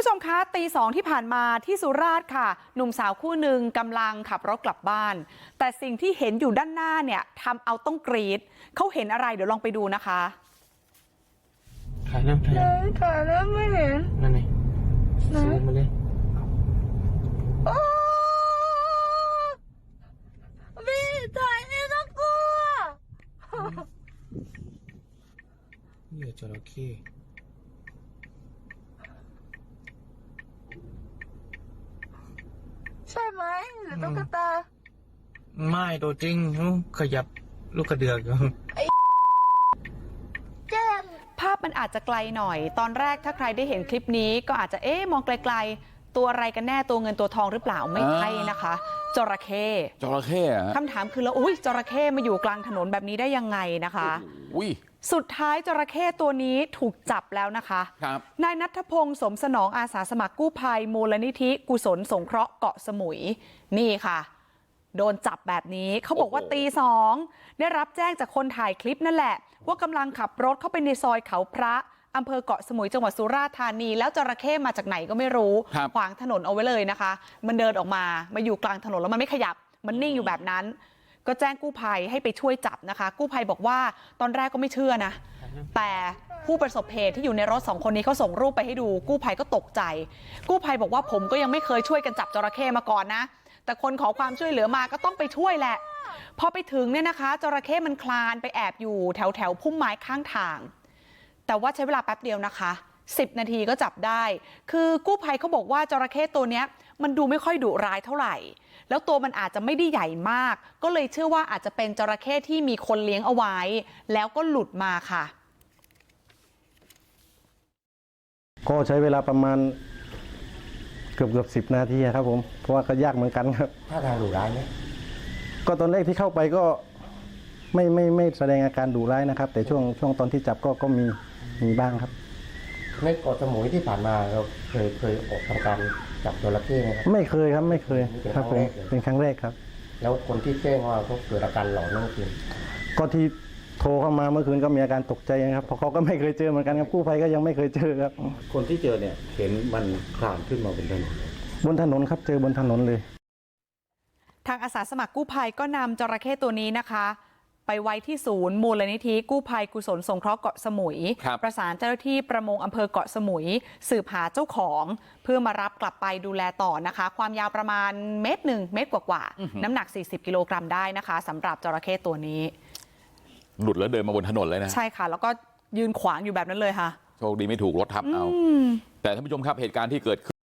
ผู้ชมคะตี 2ที่ผ่านมาที่สุราษฎร์ค่ะหนุ่มสาวคู่หนึ่งกำลังขับรถกลับบ้านแต่สิ่งที่เห็นอยู่ด้านหน้าเนี่ยทำเอาต้องกรี๊ดเขาเห็นอะไรเดี๋ยวลองไปดูนะคะถ่ายแล้วไม่เห็นนั่นไงซูมมาเลยโอ้พี่ถ่ายนี่น่ากลัวเหยื่อจระเข้ใช่ไหมหรือตุ๊กตาไม่ตัวจริงขยับลูกกระเดือกแจ้งภาพมันอาจจะไกลหน่อยตอนแรกถ้าใครได้เห็นคลิปนี้ก็อาจจะมองไกลๆตัวอะไรกันแน่ตัวเงินตัวทองหรือเปล่าไม่ใช่นะคะจระเข้คำถามคือแล้วจระเข้มาอยู่กลางถนนแบบนี้ได้ยังไงนะคะสุดท้ายจระเข้ตัวนี้ถูกจับแล้วนะคะนายณัฐพงศ์สมสนองอาสาสมัครกู้ภัยมูลนิธิกุศลสงเคราะห์เกาะสมุยนี่ค่ะโดนจับแบบนี้เขาบอกว่าตี 2ได้รับแจ้งจากคนถ่ายคลิปนั่นแหละว่ากำลังขับรถเข้าไปในซอยเขาพระอำเภอเกาะสมุยจังหวัดสุราษฎร์ธานีแล้วจระเข้มาจากไหนก็ไม่รู้ขวางถนนเอาไว้เลยนะคะมันเดินออกมาอยู่กลางถนนแล้วมันไม่ขยับมันนิ่งอยู่แบบนั้นก็แจ้งกู้ภัยให้ไปช่วยจับนะคะกู้ภัยบอกว่าตอนแรกก็ไม่เชื่อนะแต่ผู้ประสบเหตุที่อยู่ในรถ2คนนี้เขาส่งรูปไปให้ดูกู้ภัยก็ตกใจกู้ภัยบอกว่าผมก็ยังไม่เคยช่วยกันจับจระเข้มาก่อนนะแต่คนขอความช่วยเหลือมาก็ต้องไปช่วยแหละพอไปถึงเนี่ยนะคะจระเข้มันคลานไปแอบอยู่แถวพุ่มไม้ข้างทางแต่ว่าใช้เวลาแป๊บเดียวนะคะ10 นาทีก็จับได้คือกู้ภัยเขาบอกว่าจระเข้ตัวเนี้ยมันดูไม่ค่อยดุร้ายเท่าไหร่แล้วตัวมันอาจจะไม่ได้ใหญ่มากก็เลยเชื่อว่าอาจจะเป็นจระเข้ที่มีคนเลี้ยงเอาไว้แล้วก็หลุดมาค่ะก็ใช้เวลาประมาณเกือบ10 นาทีครับผมเพราะว่าก็ยากเหมือนกันครับท่าทางดุร้ายไหมก็ตอนแรกที่เข้าไปก็ไม่แสดงอาการดุร้ายนะครับแต่ช่วงตอนที่จับก็มีบ้างครับในเกาะสมุยที่ผ่านมาเราเคยออกทำการจับจระเข้ไหมครับไม่เคยครับไม่เคยครับผมเป็นครั้งแรกครับแล้วคนที่แจ้งว่าเขาเกิดอาการหลอนนั่นคือก็ที่โทรเข้ามาเมื่อคืนก็มีอาการตกใจนะครับเพราะเขาก็ไม่เคยเจอเหมือนกันครับกู้ภัยก็ยังไม่เคยเจอครับคนที่เจอเนี่ยเห็นมันคลานขึ้นมาบนถนนครับเจอบนถนนเลยทางอาสาสมัครกู้ภัยก็นำจระเข้ตัวนี้นะคะไปไว้ที่ศูนย์มูลนิธิกู้ภัยกุศลสงเคราะห์เกาะสมุยประสานเจ้าหน้าที่ประมงอำเภอเกาะสมุยสืบหาเจ้าของเพื่อมารับกลับไปดูแลต่อนะคะความยาวประมาณ1 เมตรกว่าน้ำหนัก40 กิโลกรัมได้นะคะสำหรับจระเข้ตัวนี้หลุดแล้วเดินมาบนถนนเลยนะใช่ค่ะแล้วก็ยืนขวางอยู่แบบนั้นเลยค่ะโชคดีไม่ถูกรถทับเอาแต่ท่านผู้ชมครับเหตุการณ์ที่เกิดขึ้น